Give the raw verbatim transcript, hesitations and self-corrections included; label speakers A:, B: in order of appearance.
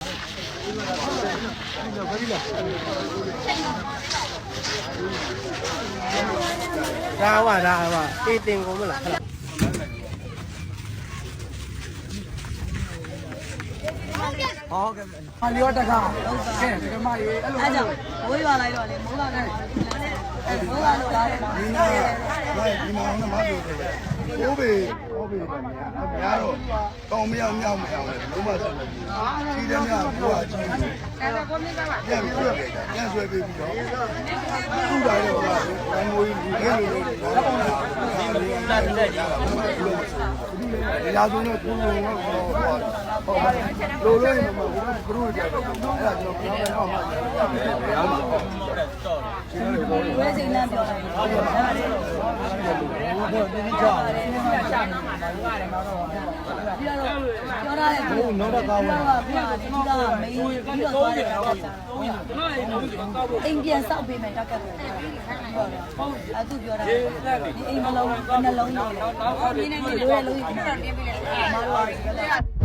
A: ဒါဝဒါဝတေးတင်ကုန်မလားဟုတ်ကဲ့ဟာလျောတကားကဲဒီကမကြီးအဲ့လိုအဲ့ကြောင့်ဘိုးရွာလိုက်တော့လေမိုးလာတယ်အဲ့မိုးလာလို့လာတယ်ဒီနာဒီမှာအောင်မလို့တယ်ဘိုးဘေဘိုးဘေတယ်များတော့ကောင်းမရောက်မြောက်မရောက်လေလုံးဝဆက်မပြီးကြီးတယ်များဘိုးကကြီးတယ်အဲ့ဒါကိုမြင်ပါပါပြန်ဆွဲပေးတယ်ပြန်ဆွဲပေးပြီးတော့သူ့ပါတော့ကဘယ်မိုးကြီးဒီလိုလိုတော့တာတက်ကြပါဘူးရာဇဝင်တော့ကိုယ်ကတော့ဟောဟုတ်လိုလိုရင်တော့ဘုရားဘုရားကြတယ်အဲ့ဒါကျွန်တော်ပြောမယ်တော့မှရမှာဝဲစိန်လမ်းပြောတယ်ဟုတ်ပါဘူးအဲ့ဒါတော့ဒီကြောက်တယ်ရှာနေတယ်ဟိုကလည်းတော့ပြီးတော့ပြောရတယ်ဘုရားနောက်တော့ကောင်းပါဘုရားဒီကမင်းပြီးတော့သွားတယ်တော့အိမ်ပြန်ဆောက်ပေးမယ်တက်ကတ်တယ်အဲ့သူပြောတာဒီအိမ်မလုံးနှလုံးတော့တော့ဒီနေ့ဒီလိုလုံးကြီးပြန်ပေးလိုက်တယ်မားတော့